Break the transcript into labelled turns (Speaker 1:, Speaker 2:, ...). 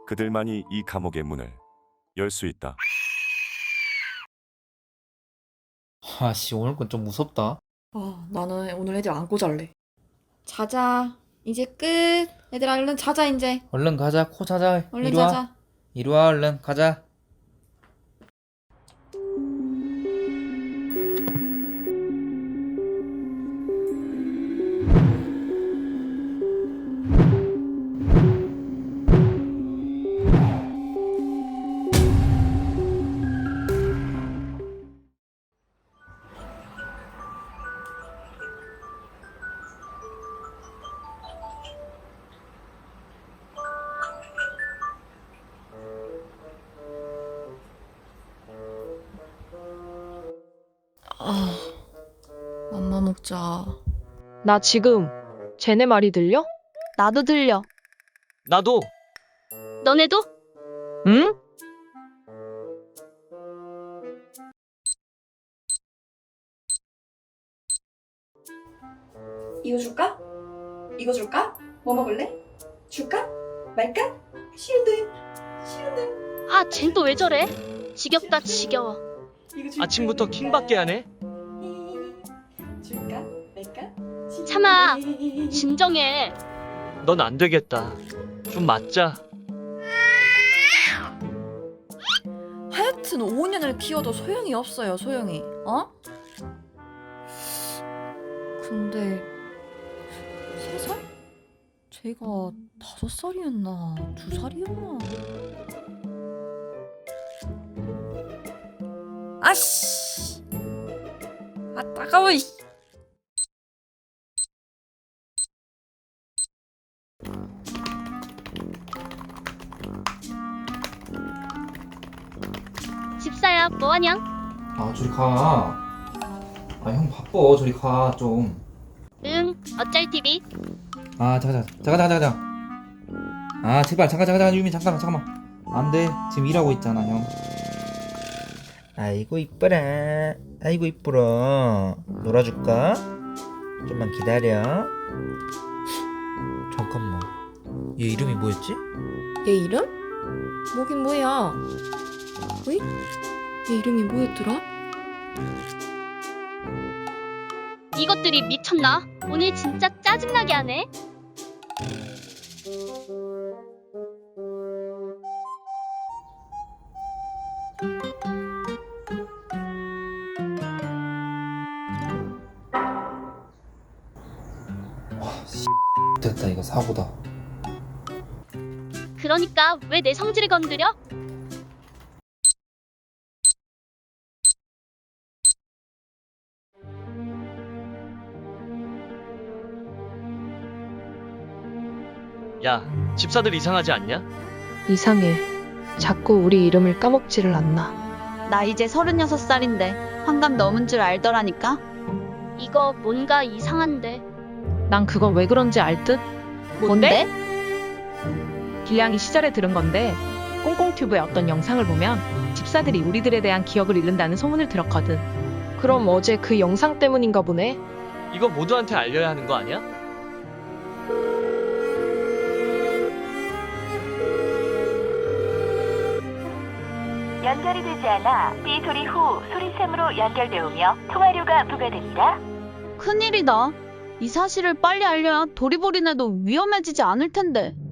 Speaker 1: 그들만이 이 감옥의 문을 열 수 있다.
Speaker 2: 아씨, 오늘 건 좀 무섭다.
Speaker 3: 나는 오늘 애들 안고 잘래. 자자. 이제 끝. 얘들아 얼른 자자 이제.
Speaker 2: 얼른 가자, 코 자자.
Speaker 3: 얼른
Speaker 2: 이리 와.
Speaker 3: 자자.
Speaker 2: 이리 와, 얼른 가자.
Speaker 3: 맘마 먹자.
Speaker 4: 나 지금 쟤네 말이 들려?
Speaker 5: 나도 들려.
Speaker 6: 나도.
Speaker 5: 너네도?
Speaker 4: 응?
Speaker 3: 이거 줄까? 이거 줄까? 뭐 먹을래? 줄까? 말까? 싫은데.
Speaker 5: 아, 쟨 또 왜 저래? 지겹다, 지겨워.
Speaker 3: 이거 줄까?
Speaker 6: 아침부터 킹받게 하네.
Speaker 3: 줄까? 말까?
Speaker 5: 참아.
Speaker 3: 싫은데.
Speaker 5: 진정해.
Speaker 6: 넌 안 되겠다. 좀 맞자.
Speaker 3: 하여튼 5년을 키워도 소용이 없어요, 소용이. 어? 근데 3살? 제가 5살이었나 2살이었나? 아씨! 아 따가워. 이씨.
Speaker 5: 집사야, 뭐하냐?
Speaker 2: 아, 저리 가. 아, 형 바빠. 저리 가, 좀.
Speaker 5: 응, 어쩔 TV.
Speaker 2: 아, 잠깐. 아, 제발, 잠깐, 유미, 잠깐만. 안 돼. 지금 일하고 있잖아, 형. 아이고, 이뻐라. 아이고, 이쁘라. 놀아줄까? 좀만 기다려. 잠깐만. 얘 이름이 뭐였지?
Speaker 3: 얘 이름? 뭐긴 뭐야? 어이? 얘 이름이 뭐였더라?
Speaker 5: 이것들이 미쳤나? 오늘 진짜 짜증나게 하네.
Speaker 2: 됐다, 이거 사고다.
Speaker 5: 그러니까 왜 내 성질을 건드려?
Speaker 6: 야, 집사들 이상하지 않냐?
Speaker 4: 이상해. 자꾸 우리 이름을 까먹지를 않나.
Speaker 5: 나 이제 36살인데 환갑 넘은 줄 알더라니까. 이거 뭔가 이상한데.
Speaker 4: 난 그건 왜 그런지 알 듯?
Speaker 5: 뭔데?
Speaker 4: 길냥이 시절에 들은 건데 꽁꽁튜브의 어떤 영상을 보면 집사들이 우리들에 대한 기억을 잃는다는 소문을 들었거든. 그럼 어제 그 영상 때문인가 보네.
Speaker 6: 이거 모두한테 알려야 하는 거 아니야?
Speaker 7: 연결이 되지 않아 삐 소리 후 소리샘으로 연결되오며 통화료가 부과됩니다.
Speaker 5: 큰일이다. 이 사실을 빨리 알려야 도리보리네도 위험해지지 않을 텐데.